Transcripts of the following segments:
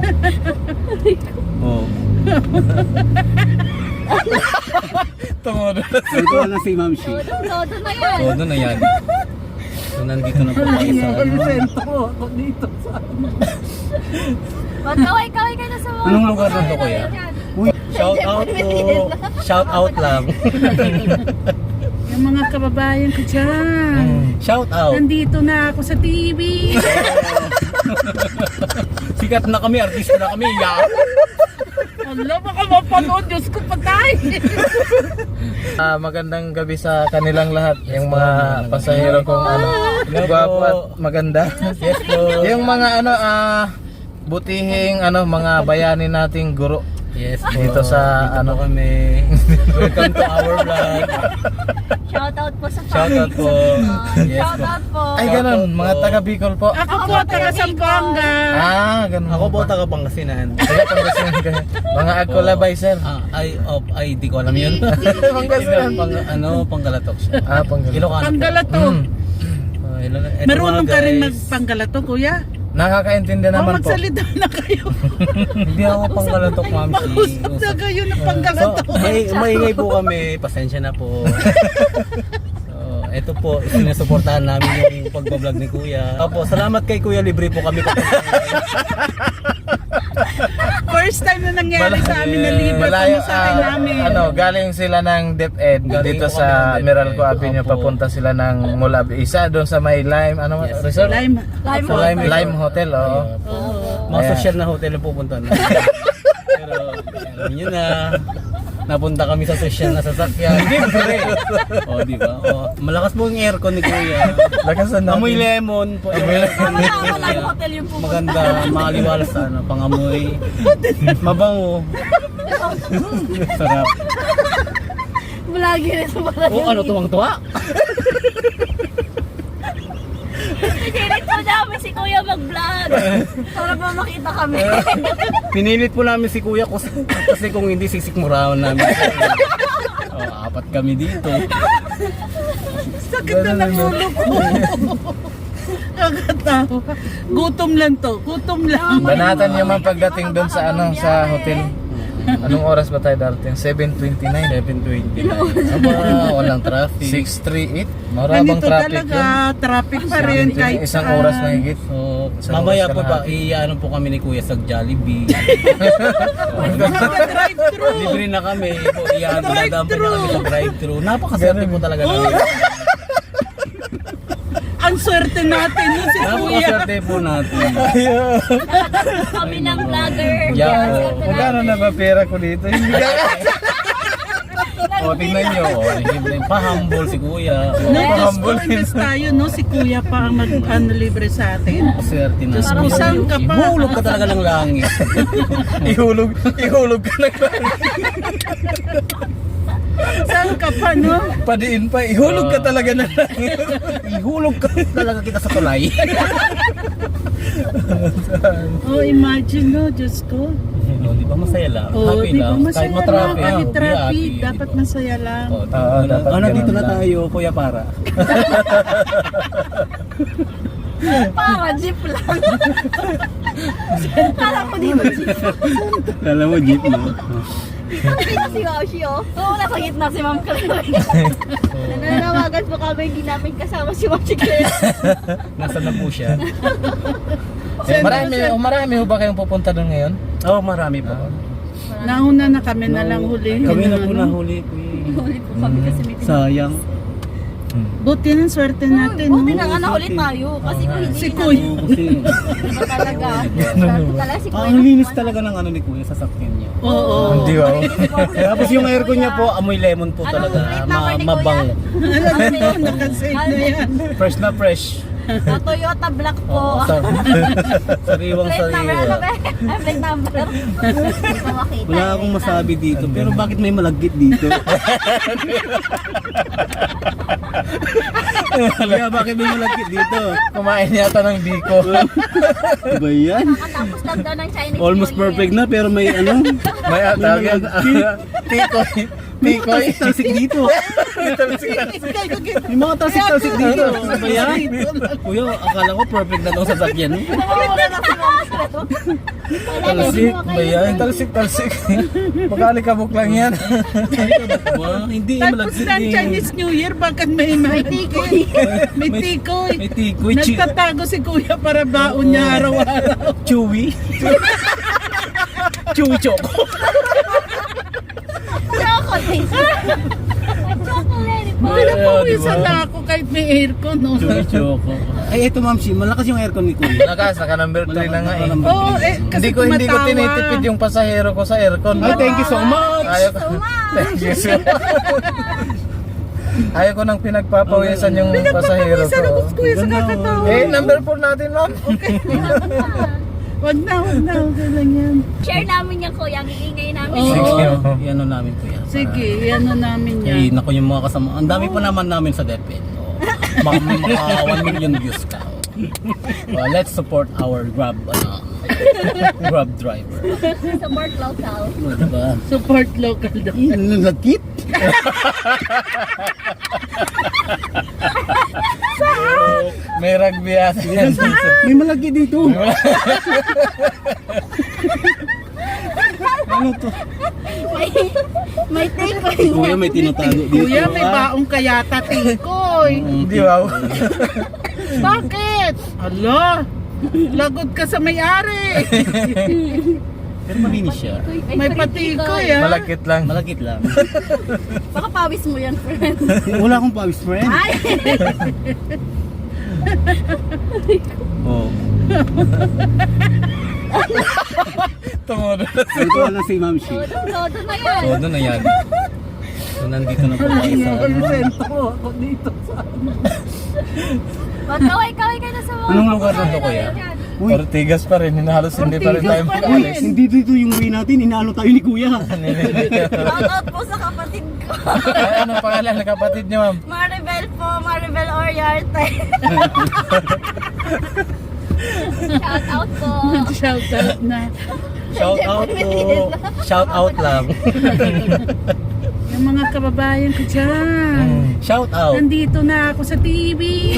Oh. Tungodo. Ito na si Ma'am Shi. Todo na yan. Todo na yan. So nandito na po tayo sa Ako dito sa Kaway-kaway ka na sa mga. Anong lugar na to, kuya? Uy, Shout out po. Shout out lang. yung mga kababayan ko dyan. Shout out. Nandito na ako sa TV. Sikat na kami, artista na kami. Yeah. Alam, baka mapanood. Diyos ko, patay. Magandang gabi sa kanilang lahat. Yung mga pasahero kong gwapo at maganda. Yes po. Yung mga butihing mga bayani nating guro. Yes po. Dito sa Dito po kami. Welcome to our vlog. Shoutout po sa Shout out po. Yes po. Shoutout po. Ay ganun, mga taga Bicol po. Ako po, taga Sambuanga. Ganun. Ako po taga Pangasinan. Taga Pangasinan kayo. Mga Akulabay sir. Ay, di ko alam yun. Pangasinan. Panggalatok siya. Pangasinan. Ilocano. Panggalato. Marunong ka rin magpanggalato, kuya? Nakakaintindi naman po. Magsalita na kayo. Hindi ako panggalatok, ma'am. Mag-usap na kayo ng panggalato. Maingay po kami. Pasensya na po. Ito po, sinusuportahan namin yung pagbablog ni Kuya. Opo, salamat kay Kuya, libre po kami. First time na nangyari sa amin na libre pamasahe namin. Galing sila ng DepEd Galing dito po kami sa ng DepEd. Meralco Avenue, Opo. papunta sila ng Mulab. Isa doon sa may Lime, Yes. resort? Lime. Lime Hotel, oo. Mga Ayan. social na hotel ang pupunta na. Pero, alam nyo na, napunta kami sa social na sasakyan. Libre. Di ba? Malakas po yung aircon ni Kuya. Lakasan natin. Amoy lemon po. Tama-tama lang yung hotel yung pupunta. Maganda, makaliwalas sa pangamoy. Mabango. Sarap. Malagi rin sa mga. Tuwang-tuwa? Hirit po namin si Kuya mag-vlog. Para ba makita kami. Pinilit po namin si Kuya kasi kung hindi sisikmurahan namin. Apat kami dito. Sakit na ng ulo ko. Kakatawa. Gutom lang to. Gutom lang. Banatan yung mga pagdating doon sa sa hotel. Anong oras ba tayo darating? 7:29. 7:29. Aba, walang traffic. 6:38. Marabang Ganito traffic talaga. yun. Traffic pa rin. Kahit Isang saan. oras na higit. So, Isang mamaya oras po ka ba, na. iano po kami ni Kuya sa Jollibee. Drive-thru. Libre na kami. Dadaan pa niya kami sa drive-thru. Napakaswerte po talaga namin. Ang swerte natin yun si Kuya. Napakaswerte po natin. Kami ng vlogger. Yeah, po. Magkano na ba pera ko dito? Hindi ka. Tingnan nyo. Pa-humble si Kuya. Diyos ko, imbes tayo, no? Si Kuya pa ang mag-libre sa atin. Swerte na. Diyos ko, saan ka pa? Ihulog ka talaga ng langit. Ihulog ka na ba? Saan ka pa, no? Padiin pa. Ihulog ka talaga na lang. Ihulog ka talaga kita sa tulay. Oh, imagine, no? Diyos ko. Di ba masaya lang? Oh, Happy di ba lang. masaya Kahit lang? matraffic. Kahit be traffic, happy. dapat masaya lang. dapat Nandito ganun na lang. tayo, Kuya Para. Para jeep lang. Kala ko di ba jeep? Kala mo jeep mo. Nakita si Washi, oh. Oo, nasa gitna si Ma'am Claire. Nananawagan po kami, hindi namin kasama si Washi Claire. Nasaan na po siya? Marami ho ba kayong pupunta doon ngayon? Oh, marami po. Nauna na kami na lang huli. Kami na po Ano? nahuli. Huli po kami kasi may Sayang. Buti ng swerte natin, no? Buti na nga nahuli tayo. Kasi kung hindi Si natin, Kuya. Kasi iba talaga. Talaga si Kuya. ang linis talaga ng ano ni Kuya sa sakyan niya. Oo. Hindi ba? Tapos yung aircon niya po, amoy lemon po talaga. plate number ni Kuya? Mabango. Alam mo yun, nakasave na yan. Fresh na fresh. Toyota Black po. Sariwang Plate number, ano sariwa. ba? Plate number. Hindi ko makita. Wala akong masabi dito, pero bakit may malagkit dito? Kaya bakit may malagkit dito? Kumain yata ng biko. Diba yan? Nakatapos lang daw ng Chinese Almost New Year. perfect na pero may ano? May tawag yan. Tikoy. Tikoy. Talsik dito. May mga talsik dito. Ano ba yan? Kuya, akala ko perfect na itong sasakyan. Nawawala na si Ma'am Cleo. Talsik ba yan? Talsik. Magkalikabok lang yan. Hindi, Tapos malagsit ng Chinese New Year, bakit may tikoy? May tikoy. May tikoy. Nagtatago si kuya para baon niya araw-araw. Chewy. Chewy choco. Chocolate. Chocolate. Wala Yeah, po diba? isa na ako kahit may aircon. No? Chewy choco. Ay, eto Ma'am Shi, malakas yung aircon ni Kuya. Naka number 3 na nga eh. Oo, kasi Hindi ko tumatawa. tinitipid yung pasahero ko sa aircon. Ay, thank you so much. Ayaw ko. Thank you so much. Ayaw ko nang pinagpapawisan yung pasahero Pinagpapawisan ako ko. kuya sa kakatawa. Eh, number 4 natin, ma'am. Wag na. Okay lang yan. Share namin yan, kuya. Ang iingay namin. Oo. Sige. Yan namin kuya. Sige, ano namin Eh, yan. naku yung mga kasama. Ang dami pa naman namin sa DepEd. Maka 1 million views ka. Let's support our Grab driver. Support local. Diba? Support local daw. Nagkit? May rugby ata yan. May malaki dito. Ano to? May tikoy. Kuya, may tinatago dito. Kuya, may baong kayata tikoy. Hindi wow. Bakit? Ala, lagot ka sa may-ari. Pero malinis siya. May patikoy ah. Malakit lang. Malagit lang. Baka pawis mo yan, friend. Wala akong pawis, friend. Ay! Oh. Tumulo. Ito na si Ma'am Shi. Todo na yan. So, doon na yan. So, nandito na po tayo sa Konsento ako dito sa Kaway ka na sa mga. Anong lugar na to, kuya? Uy, Ortigas pa rin. Halos hindi pa rin tayo Ortigas pa rin. makalis. hindi dito yung way natin. Inaano tayo ni Kuya. Shoutout po sa kapatid ko. Ay, anong pangalan ng kapatid niyo, ma'am? Maribel po, Maribel Oriarte. Shoutout po. shout out na. shout out po. Shout out lang. Yung mga kababayan ko dyan. Shout out. Nandito na ako sa TV.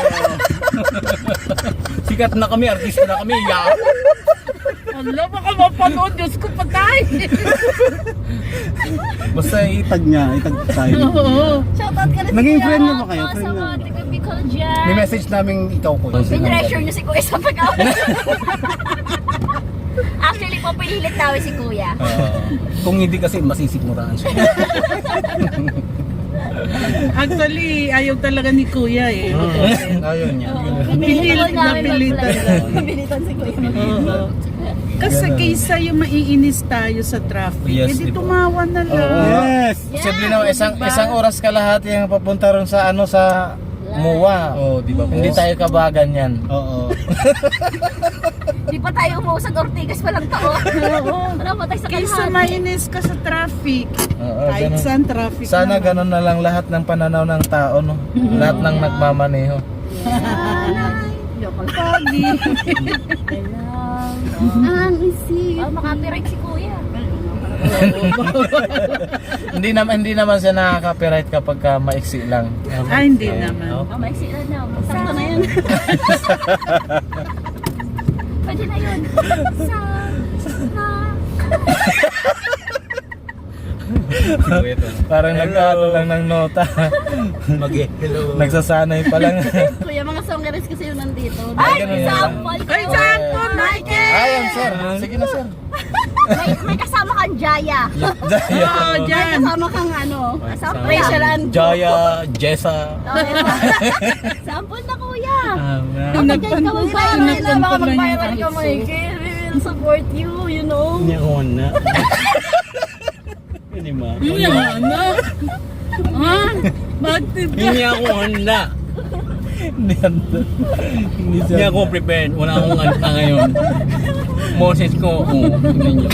Sikat na kami, artista na kami. Yeah. Ala, baka mapanood. Diyos ko, patay. Basta itag niya, itag tayo. Oo. Shoutout ka na si Naging Kuya friend na ba Rafa kayo? sa Friend na mga ba? taga-Bicol dyan. May message namin ikaw, Kuya. Pinressure niyo si Kuya sa pag-away. Actually po, pinilit namin si Kuya. Kung hindi kasi masisikmuraan siya. Actually, ayaw talaga ni Kuya eh. Ayaw niya. Pinilit namin Napilitan. mag-vlog. Pinilitan si Kuya. Oo. Kasi kaysa yung maiinis tayo sa traffic, Yes, edi di ba? tumawa na lang. Yes! Posible naman isang oras kalahati ang papunta ron sa sa MUA. Oh, di ba po? Hindi tayo kabagan yan. Oo. Di pa tayo umuusad Ortigas pa lang taon. Oo. Wala pa tayo sa Kaysa kalahati. mainis ka sa traffic, Oo, kahit ganun. saan traffic Sana naman. ganun na lang lahat ng pananaw ng tao, no? Lahat ng nagmamaneho. Joke lang. Pogi. Ang isip. Oh, makapiright si Kuya. Hindi naman siya nakaka-copyright kapag maiksi lang. Hindi naman. Oh, maiksi na na. Sakto na yun. Pwede na yun. Parang nagkano lang ng nota. Mag-hello. Nagsasanay pa lang. Kuya, mga songeres kasi yun nandito. Ay, Ay, ganun yun. sample. Ay, sample, Michael! Ayan, sir. Sige na, sir. May kasama kang Jaya. Oo, May dyan. kasama kang ano. Rachel and Jaya, Jessa. Sample na kuya. Pinagpan- Kapag ka mag-viral na, pinagpan baka pa lang mag-viral yung ka, ISO. Michael. We will support you, you know. Hindi ako na. Hindi ma. Ano? Ha? Bakit ka? Hindi ako handa. Hindi Hindi ako prepared. Wala akong handa ngayon. Moses ko. Tingnan niyo.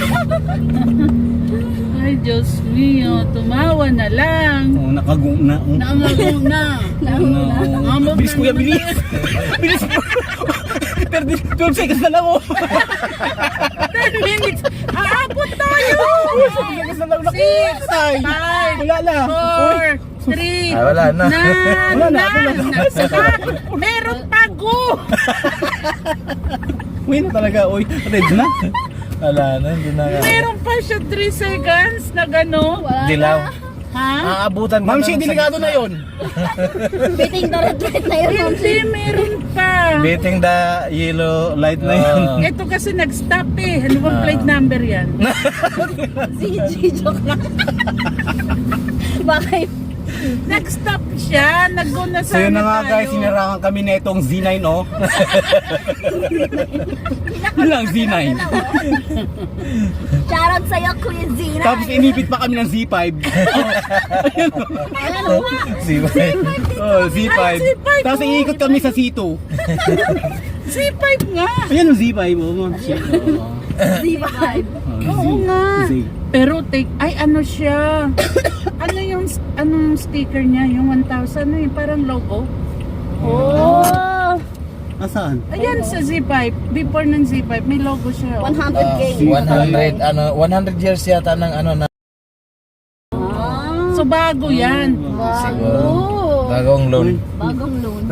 Ay, Diyos mio, tumawa na lang. Nakagung na. Naangago na. Amog Bilis na kuya, naman bilis. Bilis. Pero 12 seconds na lang oh. 10 minutes. Aabot tayo! 12 seconds na lang. 6, Tay! 5, Wala na! 4, 3, Ah, wala na. Wala na, wala na. Meron pa, go! Uy na talaga, uy. Red na. Wala na, hindi na. Meron pa siya 3 seconds na gano. Wala Dilaw. Ha? Aabutan Ma'am, siya, delikado na yun. Biting the red light na yun. Hindi, meron pa. Beating the yellow light na yun. Ito kasi nag-stop eh. Ano bang plate number yan? CG, joke lang. Bakit? Nag-stop siya. Nag-go na So yun na nga tayo. guys, sinarangan kami na itong Z9, oh. Yun lang, Z9. Shoutout sa'yo, Kuya Zina. Tapos inipit pa kami ng Z5. Ayan o nga. Oh, Z5. Ay, Z5, Tapos oh. iikot kami sa C2. C5 nga. Ayan yung Z5, oh. Ma'am. Shit. Z5. Oo nga. Z. Pero ay ano siya? Ano yung anong sticker niya? Yung 1,000 na yung parang logo. Oh. Asaan? Ayan sa Z5. Before ng Z5 may logo siya. 100K. 100 years yata ng ano na. So bago yan. Siguro. Wow. Bagong loan. Bagong loan.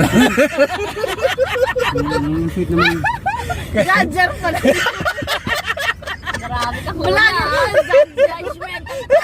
Sweet naman. Judger pala. Grabe ka. Wala na. Judgment.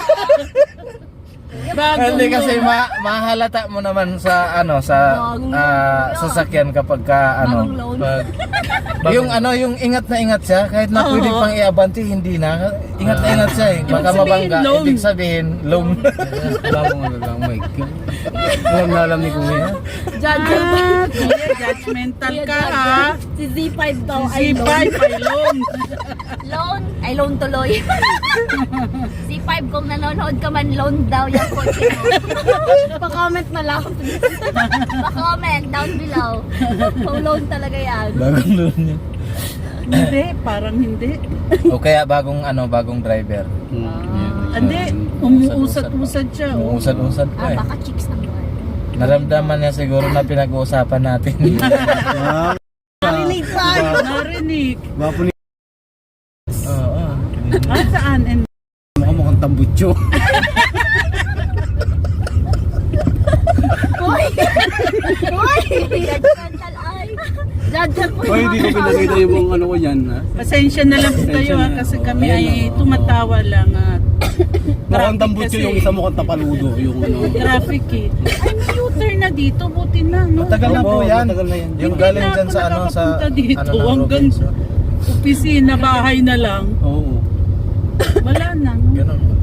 Bago Hindi kasi mahalata mo naman sa ano sa sasakyan kapag ka ano Bagong loan. yung ano yung ingat na ingat siya kahit na pwede Oo. pang iabante hindi na ingat na ingat siya eh baka sabihin, mabangga loan. ibig sabihin loan. Bagong ano lang, my God. Alam na alam ni Kuya. Judger pa. Kuya, judgmental ka ha. Si Z5 daw ay Z5 ay loan. loan. Ay loan tuloy. Z5 kung nanonood ka man, loan daw yung kotse mo. Pa-comment na lang. Pa-comment down below. Kung loan talaga yan. Bagong loan yun. Hindi, parang hindi. O kaya bagong ano bagong driver. Hindi, umuusad-usad siya. Oh. Usad-usad pa eh. Baka chicks ang boy. Naramdaman niya siguro na pinag-uusapan natin. Ah, Narinig tayo. Narinig. Bapo ni Oo. Saan? And mukhang tambutso. Uy! Uy! Judgmental ay. Judger po. Uy, hindi ko pinakita yung ano ko yan, ha? pasensya na lang po kayo ha, kasi kami ay tumatawa lang at Mukhang tambutso yung isa mukhang tapaludo. Yung ano. traffic eh. Ay, may U-turn na dito, buti na, no? Matagal na po Opo, yan. matagal na yan. Yung Hindi galing na dyan ako sa ano sa nakakapunta dito, ano ng hanggang Robinson. opisina, bahay na lang. Oo. Wala na, no? Ganun.